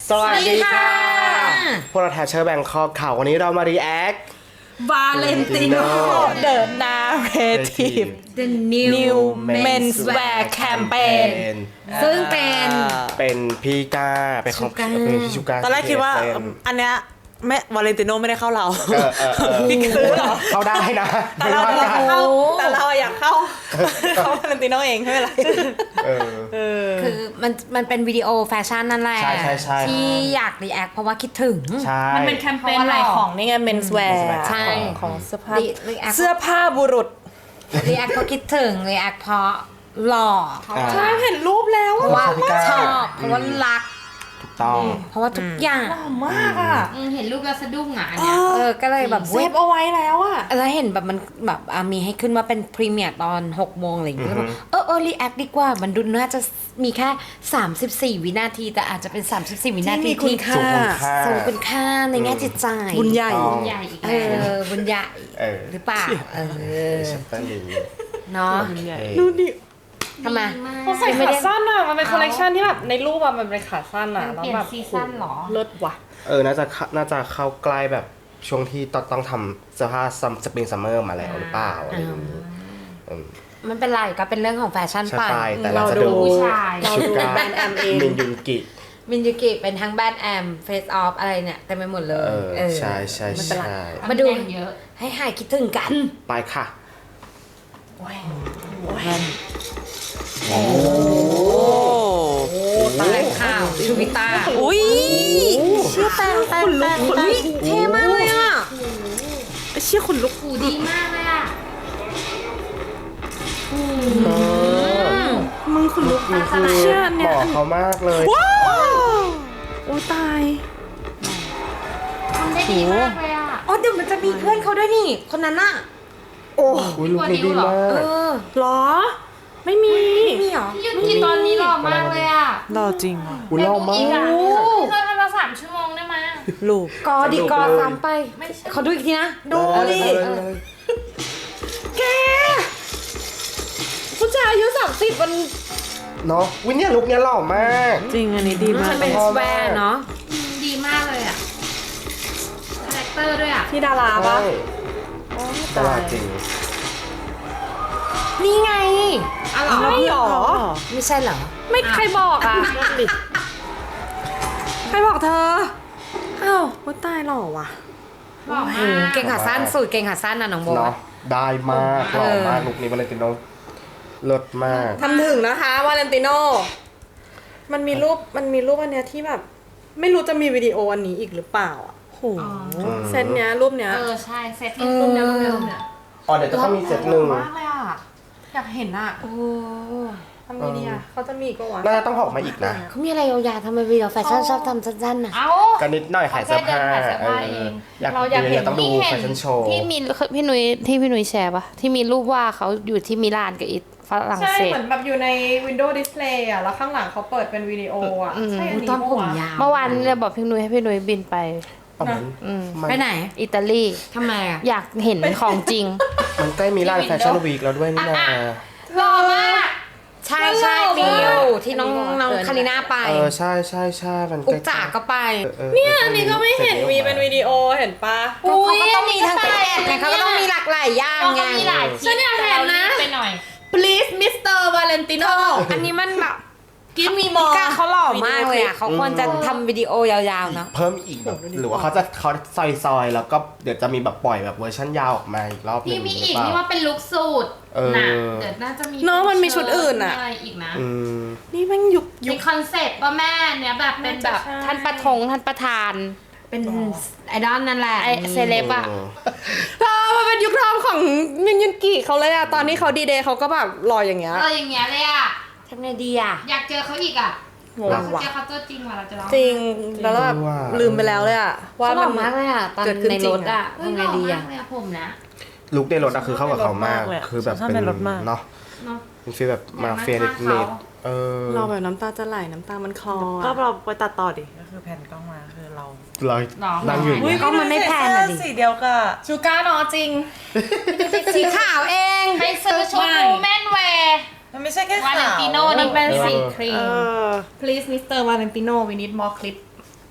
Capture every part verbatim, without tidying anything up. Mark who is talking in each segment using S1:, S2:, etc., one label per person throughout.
S1: สวัสดีค่ะพวกเราแทชเชอร์แบงคอกข่าววันนี้เรามารีแอควาเลนติโน
S2: The Narrative
S3: The New,
S2: New Menswear Campaign
S3: ซึ่งเป็น
S1: เป็นพี่ก้าเป็นของ
S3: ชูก้า
S1: เป็นพี่ชูก้า
S2: ตอนแรกคิดว่า
S1: เป็น
S2: อันเนี้ยแม่วาเลนติโนไม่ได้เข้าเรา
S1: เออเออเออ
S2: พี่ซื้อเหรอ
S1: เข้าได้นะ
S2: แต่
S1: ไม่
S2: เรา
S1: ว่า
S2: เรา
S1: กัน
S2: เข้าแต่เราอยากเข้าเข้าวาเลนติโนเองไม่เป็นไร
S1: เออ
S2: เออ
S3: คือมันมันเป็นวิดีโอแฟชั่นนั่นแหละ
S1: ใช่ใช่ใช่
S3: ที่อยากรีแอคเพราะว่าคิดถึง
S1: ใช่
S2: มันเป็นแคมเปญใหม่ของนี่ไง Menswear
S3: ใช่
S2: ของเสื้อผ้า
S3: รีรีแอค
S2: เสื้อผ้าบุรุษ
S3: รีแอคเพราะคิดถึงรีแอคเพราะหล่อเพราะว่า
S2: ใช่เห็นรูปแล้ว
S3: เพราะว่า
S1: พี่ก้า
S3: ชอบเพราะว่ารัก
S1: ถูกต้อง
S3: เพราะว่าทุกอย่าง
S2: หล่อมากอ่ะ
S4: อืมเห็นรูปแล้วสะดุ้งอ่ะอันเนี่ย
S3: เออก็เลยแบบ
S2: เซฟเอาไว้แล้วอ่ะ
S3: แล้วเห็นแบบมันแบบอ่ะมีให้ขึ้นมาเป็นพรีเมียร์ตอนหกโมงอะไรอย่างเงี้ย
S1: อือฮึ
S3: เออเออรีแอคดีกว่ามันดูน่าจะมีแค่สามสิบสี่วินาทีแต่อาจจะเป็นสามสิบสี่วินาที
S2: ที่มีคุณค่า
S1: สูงคุณค่า
S3: ทรงคุณค่าในแง่จิตใจ
S2: บุญใหญ่
S1: ต้อง
S4: ใหญ่อีก
S3: เอ
S4: แล้ว
S3: อบุญใหญ่
S1: เออ
S3: หรือเปล่าเออ
S1: ชัปเปอร์ลิง
S3: เนาะ
S2: ดูดิ
S3: ทำไม
S2: เขาใส่ขาสั้นอ่ะ มันเป็นคอลเลกชันที่แบบในรูปอ่ะมันเป็นขาสั้นอ่ะ
S4: มัน
S2: แล้ว
S4: เปลี่ยน
S2: แบบ
S4: ซีซั่นเหรอ
S2: เลิศว่ะ
S1: เออน่าจะเข้าน่าจะเข้าใกล้แบบช่วงที่ต้องต้องทำเสื้อผ้าซัมสปริงซัมเมอร์มาแล้วหรือเปล่าอะไรอย่างนี้เออ
S3: มันเป็นไรก็เป็นเรื่องของแฟชั่น
S1: ใช่
S3: ไป
S1: ไปแต่เราจะดู
S4: ผู้ชาย
S2: เราดู
S1: ชุดก้า
S2: แบรนด์แอมเอง
S1: มินยุนกิ
S3: มินยูกิเป็นทั้งแบทแอมเฟสออฟอะไรเนี่ยเต็มไปหมดเลย
S1: เออ
S3: เออ
S1: ใช่ใช่
S3: มันเป็นไร
S1: ใช่
S3: มาดู
S4: ตำแหน่งเยอะ
S3: ให้หายคิดถึงกัน
S1: ไปค่ะ
S3: โอ้ตายข่าวชูวิตา
S2: อุ้ย
S3: เชื่อแปลงแปลงแปลงอุ๊ยเท่มากเลยอ่ะ
S2: เชี่ยคนลุก
S4: หูดีมากเลยอ่ะ
S2: มึงคนลุก
S1: นี่คือ
S2: เชื่อเนี่
S1: บ
S2: ย
S1: อกเขามากเลย
S2: ว้าวโอ้ตาย
S4: ทำได้ดีมากเลยอ่ะ
S3: อ๋อเดี๋ยวมันจะมีเพื่อนเขาด้วยนี่ คนนั้นน่ะ
S2: โอ้
S1: อุ้ยลูกนี้ดีมา
S3: เอก อ
S2: หรอ ไม่มี
S3: มีเหรอ
S4: พี่ยุทธตอนนี้หล่อมากเลยอ่ะ
S2: หรอจริงอ่ะ
S1: อุ้ยเล่ามา
S4: อีก
S1: ก
S4: อ่ะพี่เคยทำมาสามชั่วโมงได้ไหม
S2: ลูก
S3: กอดี
S1: สนุก
S3: กอ
S1: เลย
S3: ซ้ำไป
S4: ไม่ใช่
S3: เขาดูอีกทีนะ ดู
S1: เออ
S3: ดิ
S1: เออเออ
S2: แกผู้ชายอายุสามสิบมัน
S1: เนาะวิเนี่ยลุกเนี้ยหล่อมาก
S2: จริงอันนี้ดีมาก
S3: มันเป็นสแวร์เนาะ
S4: ดีมากเลยอ่ะคาแรคเตอร์ด้วยอ่ะ
S2: ที่ดาราปะ
S1: ใช่ตลาดจริง
S3: นี่ไง
S4: อ๋อเหรอ
S2: ไม่หรอ
S3: ไม่ใช่เหรอ
S2: ไม่ใครบอกอ่ะ ใครบอกเธอ อ้าวว่าตายหรอวะ
S4: หล่อ
S3: โอ้
S4: มา
S3: โห
S4: ก
S3: เก่งขาสั้นสูตรเก่งขาสั้นนะน้องโบ
S1: เนาะได้มากหล่อมาก
S3: เออ
S1: ลุกนี้วาเลนติโนเลิศมาก
S2: ทำถึงนะคะวาเลนติโน มันมีรูป มันมีรูปอันเนี้ยที่แบบ ไม่รู้จะมีวิดีโออันนี้อีกหรือเปล่าอ่ะโหเซตเนี้ยรูปเนี้ย
S4: เออใช่เซตที่รูปเนี้ยรูปเนี้ยรูปเนี้ย
S1: อ๋อเดี๋ยวจะต้องมีเซตหนึ่ง
S2: มากเลยอ่ะ อยากเห็นอ่ะ
S3: โอ้
S2: ทำไงดีอ่ะเขาจะมีอีกปะวะ
S1: น่าจะต้องออกมาอีกนะ
S3: เขามีอะไรยาวๆทำไมวิดีโอแฟชั่นชอบทำสั้นๆน่ะ
S4: เอ้า
S1: กันนิดหน่อยขายเสื้อผ้า
S4: แค่เดินขายเสื้อ
S1: เอ
S4: ผ้า
S1: อ
S4: เอง
S1: อยาก
S2: เราอยากเห็น
S1: ดี๋วต้องดูแฟชั่นโชว์
S5: ที่มีพี่นุ้ยที่พี่นุ้ยแชร์ปะที่มีรูปว่าเขาอยู่ที่มิลานกับอิตฝรั่ง
S2: ใช่
S5: เศส
S2: เหมือนแบบอยู่ใน Windows Display อ่ะ แล้วข้างหลังเขาเปิดเป็นวิดีโออ่ะ ใช่อันนี้
S3: ตอนผม
S2: ปะวะ
S3: ยาว
S5: เมื่อวานเนี่ยบอกพี่นุ้ยให้พี่นุ้ยบินไป
S1: อ๋อมัน
S5: อืม
S1: มัน
S3: ไปไหน
S5: อิตาลี
S3: ทำไมอ่ะ
S5: อยากเห็นของจริง
S1: มันใกล้มีร้านแฟชั่นวีคแล้วด้วยนี่นา
S4: หล่อมาก
S3: ใช่ใช่มีอยู่ที่น้องน้องคาริน่าไป
S1: เออใช่ใช่ใช่มัน
S3: กุ๊กจ๋าก็ไป
S2: เนี่ยอันนี้ก็ไม่เห็นมีเป็นวิดีโอเห็นปะ
S3: เขาก็ต้องมีทั้งเป็นแอดไงเขาก็ต้องมีหลากหลายอย่าง
S4: เรา
S3: ไง
S4: ก็มีหลายคลิป
S2: ฉันอยากเห็นนะ
S4: ไปหน่อย
S2: please มิสเตอร์ Valentino
S3: อันนี้มันแบบ
S2: give me
S3: พี่
S2: more
S3: ก้าเขาหล่อมากเลยอ่ะเขาควรจะทำวิดีโอยาวๆเนาะ
S1: เพิ่มอีกแบบหรือว่าเขาจะเขาซอยซอยๆแล้วก็เดี๋ยวจะมีแบบปล่อยแบบเวอร์ชันยาวออกมาอีกรอบหนึ
S4: พี่
S1: ง
S4: มี
S1: หรื
S4: อีก
S1: เปล่า
S4: นี่ว่าเป็นลุคสูตร
S1: เออ
S4: นะเดี๋ยวน่าจะมี
S2: เนอะมันมีชุดอื่นอะ
S4: มีอะไรอีกนะ
S1: อืม
S2: นี่แม่งยุคยุ
S4: มี
S2: ค
S4: คอนเซ็ปต์ป่ะแม่เนี่ยแบบเป็นแบบ
S2: ใช่
S5: ท่านประทงท่านประธาน
S3: เป็นไอดอลนั่นแหละ
S5: ไอเซเลบอะ
S2: เธอมันเป็นยุคทองของมินยุนกิเขาเลยอะตอนนี้เขาดีเดย์เขาก็แบบหล่ออย่างเงี้ย
S4: เอออย่างเงี้ยเลยอ่ะ
S3: ทำไงดีอ่ะ
S4: อยากเจอเขาอีกอ่ะ
S2: งง
S4: เรา
S2: ว่ะ
S4: เจอเขาตัวจริงว่ะเราจะร้อง
S2: จริง แล้วแบบลืมไปแล้วเลยอะว่า
S3: เขาหล่
S2: มั
S3: อน มากเลยอ่ะตอน
S2: เกิดขึ้น
S3: ใน
S2: จริ
S3: รง ถอ่ะ
S4: เฮ้ย
S3: ทำ
S4: ห
S3: ไง
S4: ล่อ
S3: ดี
S4: มา
S3: อ่ะ
S4: กเลยอะผมนะ
S1: ลุคในรถอะคือเข้ากับเขามาก
S2: ชอบเลยอะ
S1: คือแบบ
S2: ชอบ
S1: เป็น
S2: ในรถมาก
S1: เนาะ
S4: เนาะ
S1: เป็นฟีลแบบมาเฟีย
S4: อยากนั่
S1: นิ
S4: ง
S1: ด
S4: ข้างเขา
S1: ๆเออ
S2: เราแบบน้ำตาจะไหลน้ำตามันคลอ
S6: ก็
S2: อะ
S6: เราไปตัดต่อดิ ก็คือแผ่นกล้องมาคือเรา
S1: เรา
S4: หรอ
S1: นั่งอยู่อย่าง
S3: อุ๊ย
S1: เงี้ย
S3: ก็มันไม่แพงอะดิ
S6: สีเดียวกับ
S2: ชูก้าเนาะจริง
S3: สีขาวเอง
S4: ไปซื้อชุด
S2: ไม่
S4: วูแมนแวร์
S6: มันไม่ใช่แค่
S4: วา
S6: ขาว
S4: เลนติโนนี่เป็นสีครี
S6: เอ
S4: ม
S6: อ
S2: please Mister Valentino we need more clip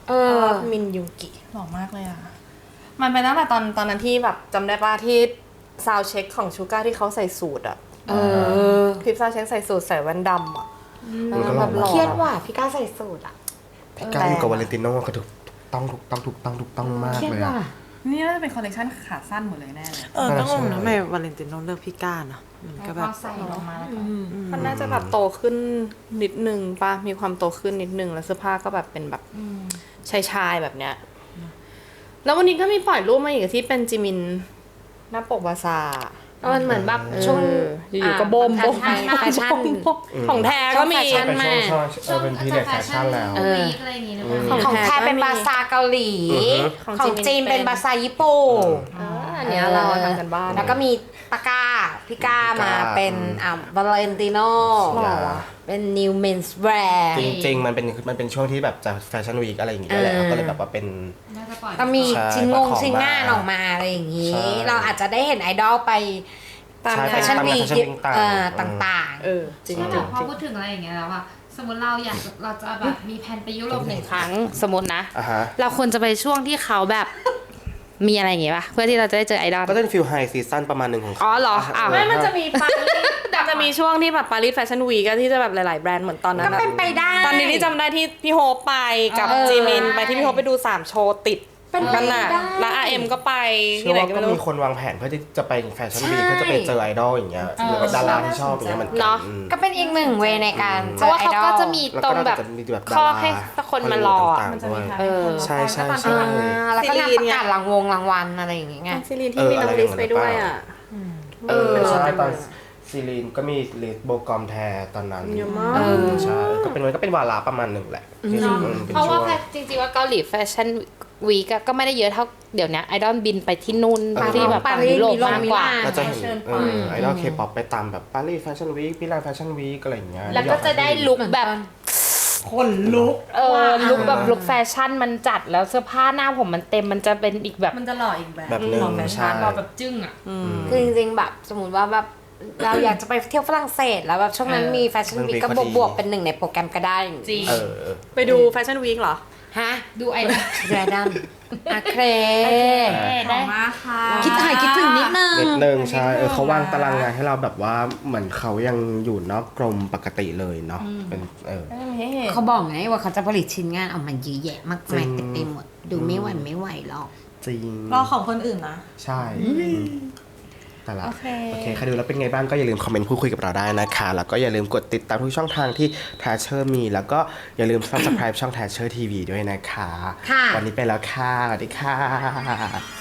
S3: เออ
S2: มินยูกิ
S6: หล่อมากเลยอ่ะ
S2: มันเป็นตั้งแต่ตอนตอนนั้นที่แบบจำได้ป่ะที่ซาวเช็คของชูก้าที่เขาใส่สูทอะ
S3: เออ
S2: คลิปซาวเช็คใส่สูทใส่แว่นดำอะ
S1: มันก็หล่อ
S2: แบบหล่อ
S3: เครียดว่ะพี่ก้าวใส่สูตรอ่ะ
S1: พี่ก้าวอยู่กับวาเลนติโน่ก็ถูกต้องถูกต้องถูกต้องถูกต้องมาก
S3: เครียด
S1: เลย
S3: ว่ะ
S1: อะ
S6: นี่น่าจะเป็นคอลเลคชันขาสั้นหมดเลยแน่เลยเออ
S1: น่า
S6: ก็งง
S1: ใช่
S6: นะทำไมวาเลนติโนเลือกพี่ก้าเนอะมันก็แบบ
S4: ใส่ลงมาแล้วก็
S2: มันน่าจะแบบโตขึ้นนิดนึงป่ะมีความโตขึ้นนิดนึงแล้วเสื้อผ้าก็แบบเป็นแบบชายชายๆแบบเนี้ยแล้ววันนี้ก็มีปล่อยรูปมาอีกที่เป็นจิมินหน้าปกบาซาร์
S3: มันเหมือนแบบช่วง
S2: เอออยู่ๆก็โบมโบม
S3: แฟชั่น
S2: ของแท้ก็มี
S3: ช่วงแฟชั่น
S1: เป็นช่วงช่วงเออเป็นพีเรียดแฟชั่นแล้ว
S4: เออวีคอะไรอย่างงี้หรือเปล่า
S2: ของ
S3: ของ
S2: แท้
S3: แท้เป็น
S2: ก็มี
S3: บาซาเกาหลี
S1: อือฮึ
S2: ของ
S3: ของ
S2: จี
S3: จี
S2: น
S3: น
S2: เป็
S3: เป็น นบาซาญี่ปุ่น
S2: อ่าอันเนี้ยเราทำกันบ้าน
S3: แล้วก็มีตะกร้าพี่ก้ามาเป็นอ่าวาเลนติโน
S2: หล่อว่ะ
S3: เป็น new men's wear
S1: จริงๆ มันเป็นมันเป็นช่วงที่แบบจะแฟชั่นวีคอะไรอย่างเงี้ยแหละ
S3: เออ
S1: ก็เลยแบบว่าเป็น
S4: น่าจะปล่อย
S3: ก็มี
S1: ใช่
S3: ชิ้นงง
S1: ประกอบ
S3: ชิ้นงาน
S1: มา
S3: ออกมาอะไรอย่างนี้
S1: ใช่
S3: เราอาจจะได้เห็นไอดอลไป
S2: ตาม
S1: ใช่
S3: แฟชั่น
S1: ตาม
S3: วีค
S1: แฟชั่นวีคต่างๆ
S3: เอ่อต่าง
S2: เออจริง
S4: ใช่
S2: จ
S4: แบ
S2: ริ
S4: บ
S2: ง
S4: พอพูดถึงอะไรอย่างเงี้ยแล้วอะสมมติเราอยากเราจะแบบมีแผนไปยุโรปหนึ่งครั้ง
S5: สมมตินะ
S1: อ่ะฮะ
S5: เราควรจะไปช่วงที่เขาแบบ มีอะไรอย่างเงี้ยป่ะ เพื่อที่เราจะได้เจอไอดอล
S1: ก็จะเป็นฟิลไฮซีซั่นประมาณหนึ่งของเขา
S5: อ๋อเหรออ้าว
S2: ไม่มันจะมีปารีสจะมีช่วงที่แบบปารีสแฟชั่นวีก็ที่จะแบบหลายๆแบรนด์เหมือนตอน
S3: ๆ
S2: นั้
S3: ก็
S2: นอะ
S3: เป็นไปได้
S2: ตอนนี้ที่จำได้ที่พี่โฮปไปกับ
S3: เออ
S2: จีมินไปที่พี่โฮปไปดูสามโชว์ติด
S3: เป็นไป
S2: กันน่ะ
S3: ได้
S2: แล้วอาร์เอ็มก็ไป
S1: เชื่
S2: ที่
S1: อ
S2: ไหน
S1: ว่า
S2: ก็
S1: ก็
S2: ไม่รู้
S1: มีคนวางแผนเพื่อที่จะไปแฟชั่นวีค
S3: ใช่
S1: เพื่อจะไปเจอไอดอลอย่างเงี้ยหรือว่าดาราที่ชอบอย่างเงี้ยเหมือนกั
S5: เนาะ
S1: อืม
S3: ก็เป็นอีกหนึ่งเวย์ในการ
S5: เพ
S3: เจ
S5: ราะ
S3: อ
S5: ว่า
S3: ไอ
S5: เขา
S3: ดอล
S5: ก็จะมี
S1: แล้ว
S5: ตร
S1: ก็
S5: ง
S1: น่า
S5: แบบ
S1: จะมีแบบดา
S5: ข้อ
S1: รา
S5: ให้สักคนมารออะ
S1: ต่างๆด้วย
S5: เออ
S1: ใช่ใช่
S3: อ่า
S1: ใช่
S3: แล้วก็งาน
S2: ซี
S3: ป
S2: รีน
S3: ระ
S2: ไง
S3: กาศรางวงรางวัลอะไรอย่างเงี้ย
S2: ซีรีนที่มีน้องลิสไปด้วยอ่ะ
S1: เออ
S2: เป็น
S1: ใช่
S2: รถ
S1: ตอนซีรีนก็มีเลสโบกอมแทตอนนั้น
S2: เยอะมาก
S1: เออใช่ก็เป็นมันก็เป็นวาระประมาณหนึ่งแหละที่อืมเป็น
S5: เพราะ
S1: ช่
S5: ว่าว
S1: ง
S5: แฟจริงๆว่าเกาหลีแฟชั่นวีกก็ไม่ได้เยอะเท่าเดี๋ยวนี้ไอดอลบินไปที่นู่น
S1: เออ
S5: ที่แบบ
S3: ปา
S5: ฝั่ง
S3: รีส
S5: ยุโรป
S3: มีโรง
S5: มากกว่า
S3: มิลาน
S1: ก็จะเห็น
S3: เชิญ
S1: เอ
S3: ไป
S1: อไอดอลเคป๊อปไปตามแบบปารีสแฟชั่นวีคมิลานแฟชั่นวีคอะไรอย่างเงี้ย
S5: แล้วก็จะได้ลุคแบบ
S6: คนลุก
S5: เออลุคแบบลุคแฟชั่นมันจัดแล้วเสื้อผ้าหน้าผมมันเต็มมันจะเป็นอีกแบบ
S6: มันจะหล่ออีกแบบ
S1: แบบหนึ่ง
S6: หล่อแฟชั่
S1: ใช่
S6: น
S4: หล่อแบบจึ้งอะ
S3: คือจริงๆแบบสมมติว่าแบบเราอยากจะไปเที่ยวฝรั่งเศสแล้วแบบช่วงนั้นมีแฟชั่นวีคก็บวกๆเป็นหนึ่งในโปรแกรมก็ได้
S4: จริง
S1: เออ
S2: ไปดูแฟชั่นวีคเหรอ
S3: ฮะ
S4: ดูไอดอล
S3: แรดัมอะเคร
S4: ขอบมากค่ะ
S3: คิดถ่ายคิดถึงนิดนึง
S1: นิดนึงใช่เออเขาวางตารางงานให้เราแบบว่าเหมือนเขายังอยู่นอกกรมปกติเลยเนาะเป็นเออ
S3: เขาบอกไงว่าเขาจะผลิตชิ้นงานออกมาเยอะแยะมากมาย
S1: จริง
S3: เต็มไปหมด ดูไม่หวั่นไม่ไหวหรอก
S1: จริง
S6: รอของคนอื่นนะ
S1: ใช่แต่ละโอเคใครดูแล้วเป็นไงบ้างก็อย่าลืมคอมเมนต์พูดคุยกับเราได้นะคะ แล้วก็อย่าลืมกดติดตามทุกช่องทางที่ Thatcher มี แล้วก็อย่าลืม Subscribe ช่อง Thatcher ที วี ด้วยนะคะ
S3: ค่ะ
S1: วันนี้ไปแล้วค่ะสวัสดีค่ะ